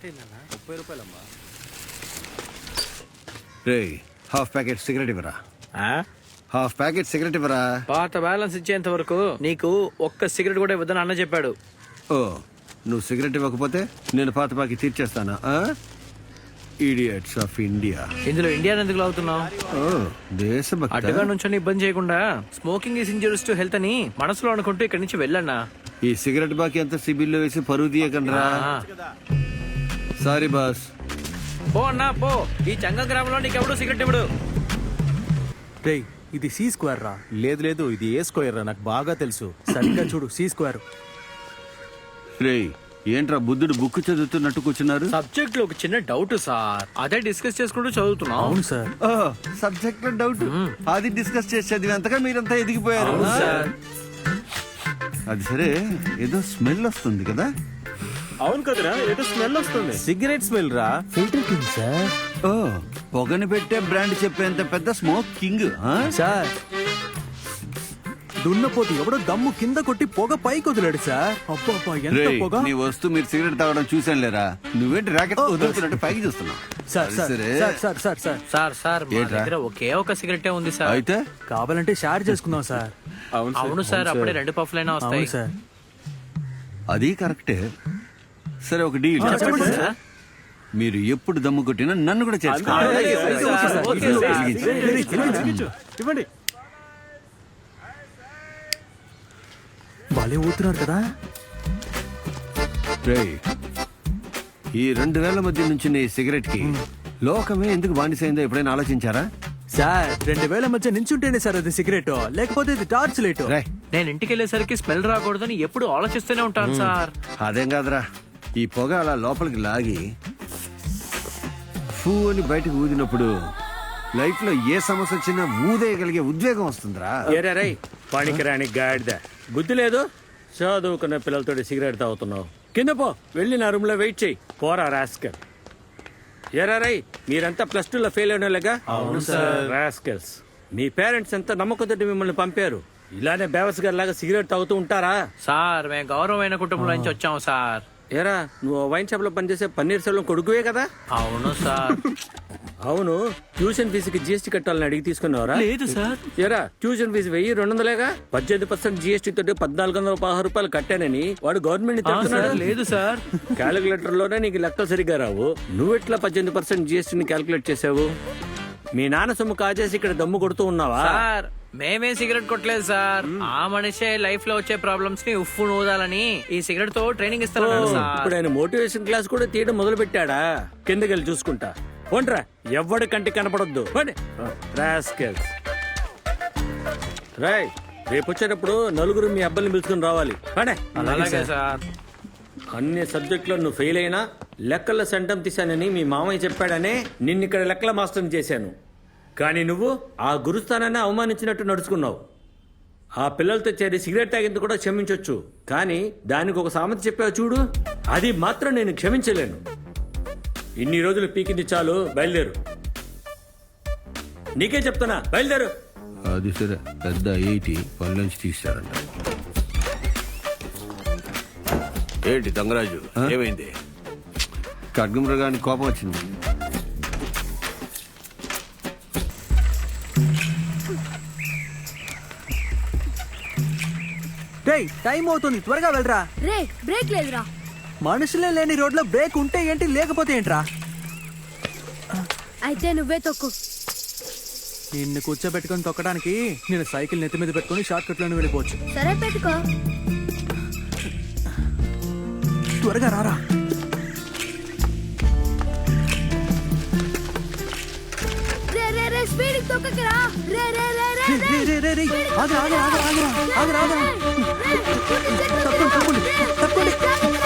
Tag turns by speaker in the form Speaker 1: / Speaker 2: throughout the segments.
Speaker 1: ₹30
Speaker 2: రే half packet cigarette ఇవ్వరా. Half packet cigarette ఇవ్వరా.
Speaker 1: పాత బ్యాలెన్స్ ఇచ్చేంత వరకు నీకు ఒక్క సిగరెట్ కూడా ఇవ్వదని అన్న చెప్పాడు.
Speaker 2: ఓ నువ్వు సిగరెట్ ఇవ్వకపోతే నేను పాత బాకి తీర్చేస్తానా? Idiots of India.
Speaker 1: ఇందులో ఇండియా ఎందుకు అవుతున్నావు?
Speaker 2: దేశభక్తి.
Speaker 1: అడ్డగా నుంచి ఇబ్బంది చేయకుండా smoking is injurious to health అని మనసులో అనుకుంటూ ఇక్కడి నుంచి వెళ్ళన్నా.
Speaker 2: ఈ సిగరెట్ బాకి ఎంత సిబిల్లో వేసి పరువు తీయకండ్రా. Sorry boss.
Speaker 1: పో అన్నా పో. ఈ చంగ గ్రామంలో నీకెవడు సిగరెట్ ఇవ్వడు.
Speaker 3: రేయ్ ఇది సి స్క్వేర్ రా. లేదు లేదు ఇది ఏ స్క్వేర్ రా, నాకు బాగా తెలుసు. సరిగ్గా చూడు, సి స్క్వేర్.
Speaker 2: రే ఏంట్రా బుద్ధుడు బుక్ చదువుతున్నట్టు కూర్చున్నారు?
Speaker 1: సబ్జెక్ట్ లో ఒక చిన్న డౌట్ సార్, అదే డిస్కస్ చేసుకుంటూ చదువుతున్నాం.
Speaker 3: అవును సార్.
Speaker 2: సబ్జెక్ట్ లో డౌట్ అది డిస్కస్ చేసి చదివేంతగా మీరంతా ఎదిగిపోయారు. అది సరే, ఏదో స్మెల్ వస్తుంది కదా?
Speaker 3: అవును కదరా, ఏదో స్మెల్ వస్తుంది. సిగరెట్ స్మెల్ రా. Filter king sir.
Speaker 2: ఓ పొగని పెట్టే బ్రాండ్ చెప్పేంత పెద్ద స్మోక్ కింగ్
Speaker 3: సార్. దున్నపోతు ఎవడో దమ్ము కింద కొట్టి పొగ పైకి వదిలాడు సార్. అబ్బా ఎంత పొగ.
Speaker 2: నీ వస్తూ మీరు సిగరెట్ తాగడం చూసాను లేరా. నువ్వేంటి రాకెట్ వదులుతున్నట్టు పైకి చూస్తున్నావు?
Speaker 3: Sir sir sir sir sir
Speaker 1: sir sir మా దగ్గర ఒకే ఒక సిగరెటే ఉంది సార్.
Speaker 2: అయితే
Speaker 3: కావాలంటే షేర్ చేసుకుందాం సార్.
Speaker 1: అవును సార్, అప్పుడే 2 పఫ్లైనా వస్తాయి
Speaker 3: సార్.
Speaker 2: అది కరెక్టే. సరే ఒక డీల్.
Speaker 1: చెప్పండి సార్.
Speaker 2: మీరు ఎప్పుడు దమ్ము కొట్టినా నన్ను కూడా చేసుకోవాలి.
Speaker 3: ఇవ్వండి. బాలే ఊతున్నారు కదా.
Speaker 2: ఈ 2 వేల మధ్య నుంచి నీ సిగరెట్ కి లోకమే ఎందుకు బానిసైందో ఎప్పుడైనా ఆలోచించారా?
Speaker 3: సార్ 2000 మధ్య నించుంటేనే సార్ అది సిగరెట్, లేకపోతే ఇది టార్చ్ లైట్.
Speaker 1: నేను ఇంటికి వెళ్ళేసరికి స్మెల్ రాకూడదని ఎప్పుడు ఆలోచిస్తూనే ఉంటాను సార్.
Speaker 2: అదేం కాదురా, ఈ పొగ అలా లోపలికి లాగి ఫూ అని బయటకు ఊదినప్పుడు లైఫ్ లో ఏ సమస్య వచ్చినా ఊదేయగలిగే ఉద్వేగం వస్తుందిరా.
Speaker 4: ఏరారై పనికిరాని గాడిద, బుద్ధి లేదు. చదువుకున్న పిల్లలతో సిగరెట్ తాగుతున్నావు. కింద పో, వెళ్ళి నా రూమ్ లో వెయిట్ చెయ్యి. పోరా రాస్కల్. ఏరారై మీరంతా +2లో ఫెయిల్ అయినోళ్ళగా?
Speaker 1: అవును సార్.
Speaker 4: రాస్కల్స్, మీ పేరెంట్స్ ఎంత నమ్మకంతో మిమ్మల్ని పంపారు. ఇలానే బేవస్ గారి లాగా సిగరెట్ తాగుతూ ఉంటారా?
Speaker 1: సార్ మేము గౌరవమైన కుటుంబం నుంచి వచ్చాము సార్.
Speaker 4: ఏరా నువ్వు వైన్ షాప్ లో పనిచేసే పన్నీర్ సెల్వం కొడుకువే కదా?
Speaker 1: అవును సార్.
Speaker 4: అవును, ట్యూషన్ ఫీజుకి GST కట్టాలని అడిగి తీసుకున్నావరా?
Speaker 1: లేదు సార్.
Speaker 4: ఏరా ట్యూషన్ ఫీజు 1200 18% GST తోటి ₹1416 కట్టానని వాడు గవర్నమెంట్
Speaker 1: లేదు సార్.
Speaker 4: క్యాలిక్యులేటర్ లోనే నీకు లెక్కలు సరిగ్గా రావు. నువ్వెట్లా 18% GST క్యాలిక్యులేట్ చేసావు? మీ నాన్న సొమ్ము కాజేసి ఇక్కడ దమ్ము కొడుతూ ఉన్నావా?
Speaker 1: సార్ మేమే సిగరెట్ కొట్టలేదు సార్. ఆ మనిషే లైఫ్ లో వచ్చే ప్రాబ్లమ్స్ ని ఉఫ్ఫు నూదాలని ఈ సిగరెట్ తో ట్రైనింగ్ ఇస్తాను సార్.
Speaker 4: ఇప్పుడు ఆయన మోటివేషన్ క్లాస్ కూడా తీయడం మొదలు పెట్టాడా? కిందకెళ్ళి చూసుకుంటా. పోండ్రా, ఎవ్వడి కంటికి కనపడొద్దు. రాయ్ రేపు వచ్చేటప్పుడు నలుగురు మీ అబ్బాయిని పిలుచుకుని రావాలి.
Speaker 1: అలాగే సార్.
Speaker 4: అన్ని సబ్జెక్టులో నువ్వు ఫెయిల్ అయినా లెక్కల్లో సెంటం తీశానని మీ మామయ్య చెప్పాడనే నిన్నిక్కడ లెక్కల మాస్టర్ని చేశాను. కానీ నువ్వు ఆ గురుస్థానాన్ని అవమానించినట్టు నడుచుకున్నావు. ఆ పిల్లలతో చేరి సిగరెట్ తాగింది కూడా క్షమించొచ్చు, కానీ దానికి ఒక సామెత చెప్పావు చూడు, అది మాత్రం నేను క్షమించలేను. ఇన్ని రోజులు పీకింది చాలు, బయలుదేరు. నీకే చెప్తున్నా, బయలుదేరు.
Speaker 2: అది సరే, పెద్ద 80 పనులోంచి తీశారంట.
Speaker 5: ఏంటి తంగరాజు, ఏమైంది?
Speaker 2: ఖడ్గమృగానికి కోపం వచ్చింది.
Speaker 3: టైం అవుతుంది, త్వరగా వెళ్ళరా.
Speaker 6: రే బ్రేక్ లేదురా.
Speaker 3: మనుషులే లేని రోడ్లో బ్రేక్ ఉంటే ఏంటి, లేకపోతే ఏంట్రా?
Speaker 6: అయితే నువ్వే తొక్కు.
Speaker 3: నిన్ను కూర్చోబెట్టుకొని తొక్కడానికి నేను సైకిల్ నెత్తి మీద పెట్టుకుని షార్ట్ కట్ లోనే వెళ్ళిపోవచ్చు.
Speaker 6: సరే పెట్టుకో.
Speaker 3: త్వరగా రారా.
Speaker 6: రే రే రే స్పీడ్ తొక్కకరా. రే రే రే రే
Speaker 3: రే రే రే రే ఆగరా ఆగరా ఆగరా ఆగరా ఆగరా. తప్పండి తప్పండి తప్పండి.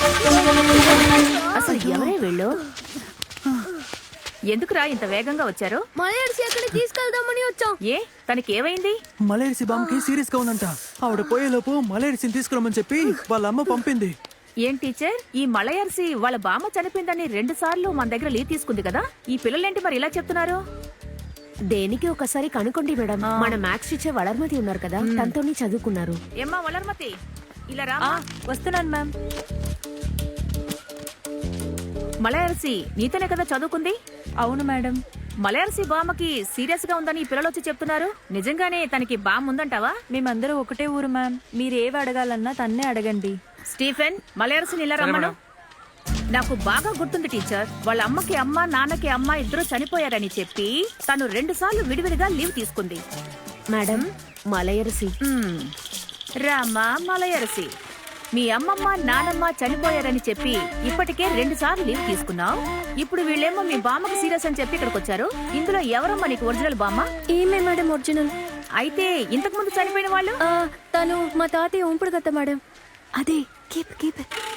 Speaker 7: అసలు ఎవరే వీళ్ళు? ఎందుకురా ఇంత వేగంగా వచ్చారు?
Speaker 6: మలయర్సి ఎక్కడికి తీసుకెళ్దామని వచ్చాం.
Speaker 7: ఏ తనకి ఏమైంది?
Speaker 3: మలేరిసి బామ్మకి సీరియస్ గా ఉందంట. ఆవిడ పోయేలోపు మలేరిసిని తీసుకురమ్మని చెప్పి వాళ్ళ అమ్మ పంపింది.
Speaker 7: ఏం టీచర్, ఈ మలయర్సి వాళ్ళ బామ్మ చనిపోయిందని 2 సార్లు మన దగ్గర లీవ్ తీసుకుంది కదా, ఈ పిల్లలేంటి మరి ఇలా చెప్తున్నారు?
Speaker 6: దేనికి ఒకసారి కనుకోండి మేడం. మన మ్యాథ్స్ టీచర్ వలర్మతి ఉన్నారు కదా, తనతోనే చదువుకున్నారు.
Speaker 7: ఏమ్మా వలర్మతి, ఇలా రా.
Speaker 6: వస్తున్నాను మ్యామ్.
Speaker 7: మలయర్సి నీతోనే కదా చదువుకుంది?
Speaker 8: అవును మేడం.
Speaker 7: మలయర్సి బామ్మకి సీరియస్ గా ఉందని ఈ పిల్లలు వచ్చి చెప్తున్నారు. నిజంగానే తనకి బామ్ ఉందంటావా?
Speaker 8: మేమందరూ ఒకటే ఊరు మ్యామ్. మీరేవి అడగాలన్నా తన్నే అడగండి.
Speaker 7: స్టీఫెన్, మలయర్సిని ఇలా రమ్మను. నాకు బాగా గుర్తుంది టీచర్, వాళ్ళ అమ్మకి అమ్మ నాన్నకి అమ్మ ఇద్దరు చనిపోయారని చెప్పి తను 2 సార్లు విడివిడిగా లీవ్ తీసుకుంది.
Speaker 6: మేడం మలయరసి.
Speaker 7: రామా మలయర్సి, మీ అమ్మమ్మ నానమ్మ చనిపోయారని చెప్పి ఇప్పటికే 2 సార్లు లీవ్ తీసుకున్నావు. ఇప్పుడు వీళ్ళేమో మీ బామ్మకి సీరియస్ అని చెప్పి ఇక్కడికి వచ్చారు. ఇందులో ఎవరమ్మా నీకు ఒరిజినల్ బామ్మ?
Speaker 8: ఏమే మేడం ఒరిజినల్?
Speaker 7: అయితే ఇంతకు ముందు చనిపోయిన వాళ్ళు?
Speaker 8: తను మా తాతయ్య ఉంపుడు కదా మేడం. అదే కీప్ కీప్.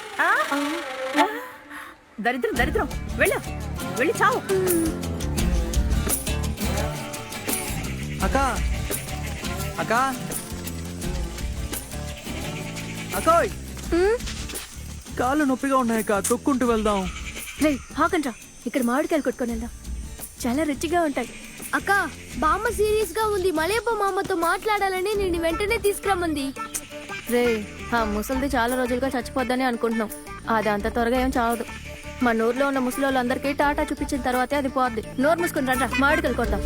Speaker 7: దరిద్రం దరిద్రం, వెళ్ళు వెళ్ళి చావు.
Speaker 1: అక్క అక్క అక్కోయ్, కాళ్ళు నొప్పిగా ఉన్నాయక్క, తొక్కుంటూ వెళ్దాం.
Speaker 8: రే హాకండ్రా, ఇక్కడ మామిడికాయలు కొట్టుకొని వెళ్దాం. చాలా రుచిగా ఉంటాయి.
Speaker 9: అక్క బామ్మ సీరియస్ గా ఉంది. మలేపో మామతో మాట్లాడాలని నేను వెంటనే తీసుకురమ్మంది.
Speaker 8: రే ఆ ముసలిది చాలా రోజులుగా చచ్చిపోద్దని అనుకుంటున్నాం. అది అంత త్వరగా ఏం చావదు. మన ఊర్లో ఉన్న ముసలోళ్ళందరికీ టాటా చూపించిన తర్వాతే అది పోద్ది. నోరు మూసుకుని రండ్రా, మామిడికాయలు కొడదాం.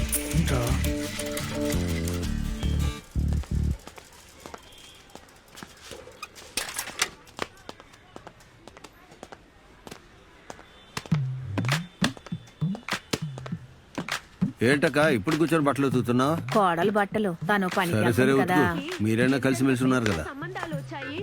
Speaker 2: ఏంటక్క ఇప్పుడు కూర్చొని బట్టలు ఉతుకుతున్నావు?
Speaker 7: కోడలు బట్టలు తను పని
Speaker 2: సరే సరే
Speaker 7: కదా.
Speaker 2: ఉతుకు. మీరైనా కలిసిమెలిసి ఉన్నారు కదా.
Speaker 6: సంబంధాలు వచ్చాయి.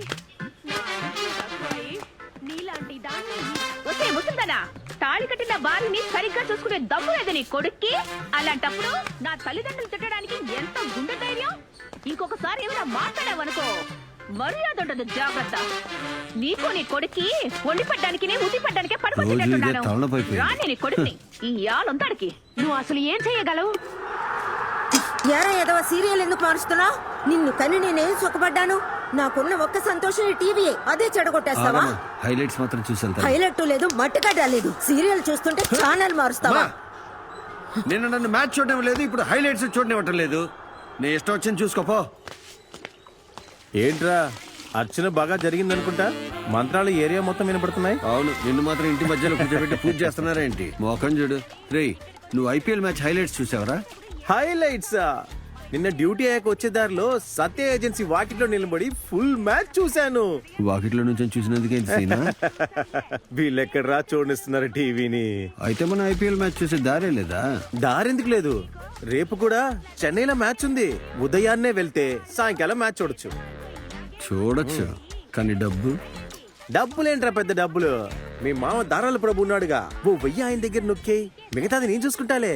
Speaker 6: నీలాంటి దాన్ని
Speaker 7: వస్తే ముసల్దానా, తాళి కట్టిన భార్యని సరిగ్గా చూసుకునే దమ్ము లేదు నీ కొడుక్కి. అలాంటప్పుడు నా తల్లిదండ్రులు తిట్టడానికి ఎంత గుండె ధైర్యం? ఇంకొకసారి ఏమైనా మాట్లాడావనుకో మర్యాద ఉండదు, జాగ్రత్త. నీకు నీ కొడుక్కి వండి పడ్డానికి ఉతి పడ్డానికే పడిపోతున్నట్టున్నాను. రాని నీ కొడుక్ని ఈ ఆలంతాడికి నువ్వు అసలు ఏం చేయగలవు?
Speaker 10: ఏరా ఏదో సీరియల్ ఎందుకు మారుస్తున్నావు? నిన్ను కని నేనేం సుఖపడ్డాను? నాకున్న ఒక్క సంతోషం ఈ టీవీయే. అదే చెడగొట్టేస్తావా?
Speaker 2: హైలైట్స్ మాత్రం చూసేళ్తా.
Speaker 10: హైలైట్ లేదు, మట్టుగడ్డ లేదు. సీరియల్ చూస్తుంటే ఛానల్ మారుస్తావా?
Speaker 2: నిన్న నన్ను మ్యాచ్ చూడడం లేదు, ఇప్పుడు హైలైట్స్ చూడనివ్వటం లేదు. నీ ఇష్టం వచ్చింది చూసుకోపో.
Speaker 3: ఏంట్రా అర్చన బాగా జరిగిందనుకుంటా. మంత్రాలు ఏరియా మొత్తం వినపడుతున్నాయి.
Speaker 2: అవును, నిన్ను మాత్రం ఇంటి మధ్యలో కూర్చోబెట్టి పూజ చేస్తున్నారా ఏంటి? మోకం చూడు. రేయ్, నువ్వు ఐపీఎల్ మ్యాచ్ హైలైట్స్ చూసావరా?
Speaker 3: హైలైట్స్ నిన్న డ్యూటీ అయ్యాక వచ్చే దారిలో సత్య ఏజెన్సీ వాకిట్లో నిలబడి ఫుల్ మ్యాచ్ చూశాను.
Speaker 2: వాకిట్లో నుంచి చూసినందుకే సీనా?
Speaker 3: వీళ్ళెక్కడరా చూడనిస్తున్నారు టీవీని?
Speaker 2: అయితే మనం ఐపీఎల్ మ్యాచ్ చూసే దారే లేదా?
Speaker 3: దారెందుకు లేదు, రేపు కూడా చెన్నైలో మ్యాచ్ ఉంది. ఉదయాన్నే వెళ్తే సాయంకాలం మ్యాచ్
Speaker 2: చూడొచ్చు, కానీ
Speaker 3: డబ్బులేంట్రా పెద్ద డబ్బులు. మీ మామ దారాల ప్రభు ఉన్నాడుగా, ఓ 1000 ఆయన దగ్గర నొక్కి మిగతాది నేను చూసుకుంటాలే.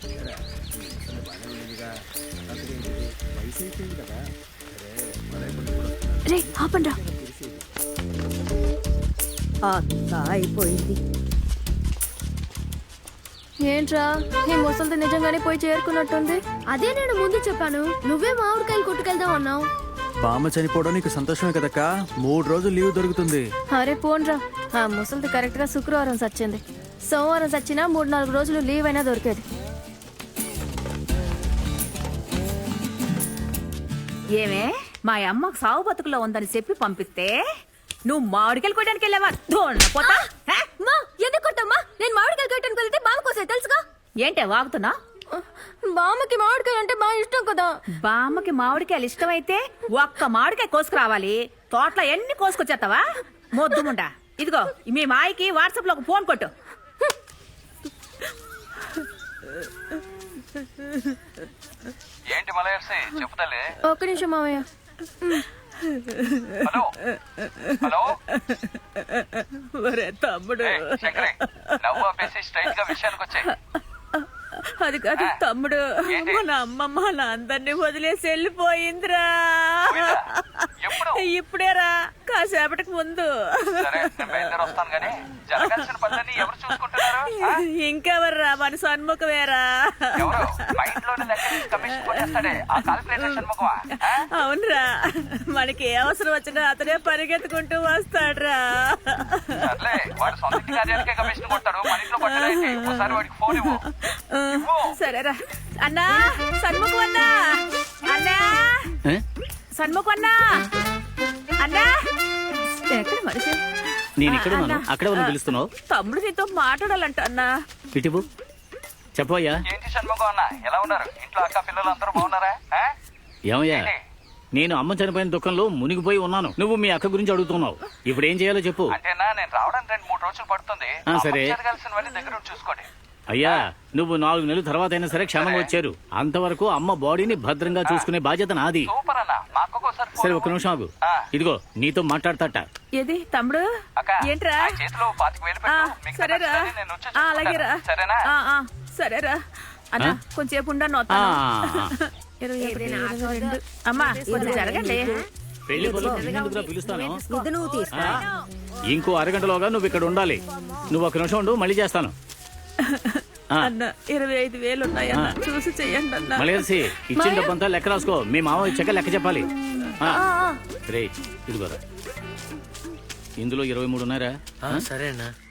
Speaker 8: రే ఆపండ్రా.
Speaker 10: అయిపోయింది.
Speaker 8: ఏంట్రా ఈ ముసలిది నిజంగానే పోయి చేరుకున్నట్టుంది.
Speaker 9: అదే నేను ముందు చెప్పాను, నువ్వే మామిడికాయలు కొట్టుకెళ్దాం అన్నావు.
Speaker 1: బామ్మ చనిపోవడం నీకు సంతోషమే కదక్క, 3 రోజులు లీవ్ దొరుకుతుంది.
Speaker 8: అరే పోన్రా, ఆ ముసలిది కరెక్ట్ గా శుక్రవారం సచ్చింది. సోమవారం సచ్చినా 3-4 రోజులు లీవ్ అయినా దొరికేది.
Speaker 7: ఏమే మా అమ్మ సావు బతుకులో ఉందని చెప్పి పంపిస్తే నువ్వు మామిడికాయలు కొట్టడానికి వెళ్ళావా? పోతా
Speaker 9: ఎందుకు కొట్టమ్మా? నేను మామిడికాయలు కొట్టడానికి వెళ్తే బామ్మ కోసం తెలుసుగా.
Speaker 7: ఏంటే వాగుతున్నా?
Speaker 8: బామ్మకి మామిడికాయ అంటే బాగా ఇష్టం కదా.
Speaker 7: బామ్మకి మామిడికాయలు ఇష్టమైతే ఒక్క మామిడికాయ కోసుకురావాలి. తోటలో ఎన్ని కోసుకొచ్చేస్తావా మొద్దుముండా? ఇదిగో మీ మాయకి వాట్సాప్ లో ఒక ఫోన్ కొట్టు.
Speaker 11: ఏంటి మలయర్సి చెప్తాలే?
Speaker 8: ఒక్క నిమిషం మామయ్య.
Speaker 11: హలో హలో
Speaker 7: తమ్ముడు,
Speaker 11: నవ్వు ఆపేసి స్ట్రైట్ గా విషయానికి వచ్చాయి.
Speaker 7: అది కాదు తమ్ముడు, మన అమ్మమ్మ నా అందరినీ వదిలేసి వెళ్ళిపోయిందిరా. ఇప్పుడేరా, కాసేపటికి ముందు.
Speaker 11: వస్తాను గానీ జరగాల్సిన పనులన్నీ ఎవరు చూసుకుంటున్నారు?
Speaker 7: ఇంకెవర్రా, మన సన్ముఖమేరా. అవునరా, మనకి ఏ అవసరం వచ్చినా అతనే పరిగెత్తుకుంటూ వస్తాడ్రా. సరేరా అన్నా, సన్ముఖం అన్నా, అన్నా సన్ముఖం అన్నా, అన్నా ఎక్కడ మనిషి?
Speaker 12: నేను ఇక్కడ ఉన్నాను, అక్కడే ఉన్న పిలుస్తున్నావు.
Speaker 7: తమ్ముడు నీతో మాట్లాడాలంట అన్నా.
Speaker 12: ఇటువు చెప్పయ్యా.
Speaker 11: ఏంటి షణ్ముఖం అన్న ఎలా ఉన్నారు? ఇంట్లో అక్క పిల్లలు అందరూ బాగున్నారా?
Speaker 12: ఏమయ్యా, నేను అమ్మ చనిపోయిన దుఃఖంలో మునిగిపోయి ఉన్నాను. నువ్వు మీ అక్క గురించి అడుగుతున్నావు. ఇప్పుడు ఏం చేయాలో చెప్పు.
Speaker 11: అంటేనా నేను రావడానికి 2-3 రోజులు పడుతుంది.
Speaker 12: సరే
Speaker 11: జరగాల్సినవన్నీ దగ్గర ఉండి చూసుకోండి.
Speaker 12: అయ్యా, నువ్వు 4 నెలల తర్వాత అయినా సరే క్షేమంగా వచ్చారు. అంతవరకు అమ్మ బాడీని భద్రంగా చూసుకునే బాధ్యత నాది.
Speaker 11: సూపర్ అన్న. మా అక్కకు ఒకసారి
Speaker 12: సరే ఒక్క నిమిషం ఆగు. ఇదిగో నీతో మాట్లాడతాట.
Speaker 7: ఏది తమ్ముడు? ఏంట్రా?
Speaker 11: చేతిలో 25,000 పెట్టు. మిగతా
Speaker 7: సరేరా,
Speaker 11: ఖర్చులన్నీ నేను వచ్చి చూసుకుంటాను.
Speaker 7: అలాగేరా.
Speaker 11: సరేనా?
Speaker 7: సరేరా అన్నా, కొంచెంసేపు ఉండను. అమ్మా కొంచెం జరగండి.
Speaker 12: పెళ్లి ముందుగా పిలుస్తాను.
Speaker 10: ఇది నువ్వు తీసుకో.
Speaker 12: ఇంకో అరగంటలోగా నువ్వు ఇక్కడ ఉండాలి. నువ్వు ఒక నిమిషం ఉండు, మళ్ళీ చేస్తాను.
Speaker 7: అన్న 25,000 ఉన్నాయన్న, చూసి చెయ్యండి అన్న.
Speaker 12: మలేసి ఇచ్చిన డబ్బంతా లెక్క రాసుకో. మీ మామ ఇచ్చాక లెక్క చెప్పాలి. రే ఇదిగోరా, ఇందులో 23 ఉన్నారా?
Speaker 1: సరే అన్న.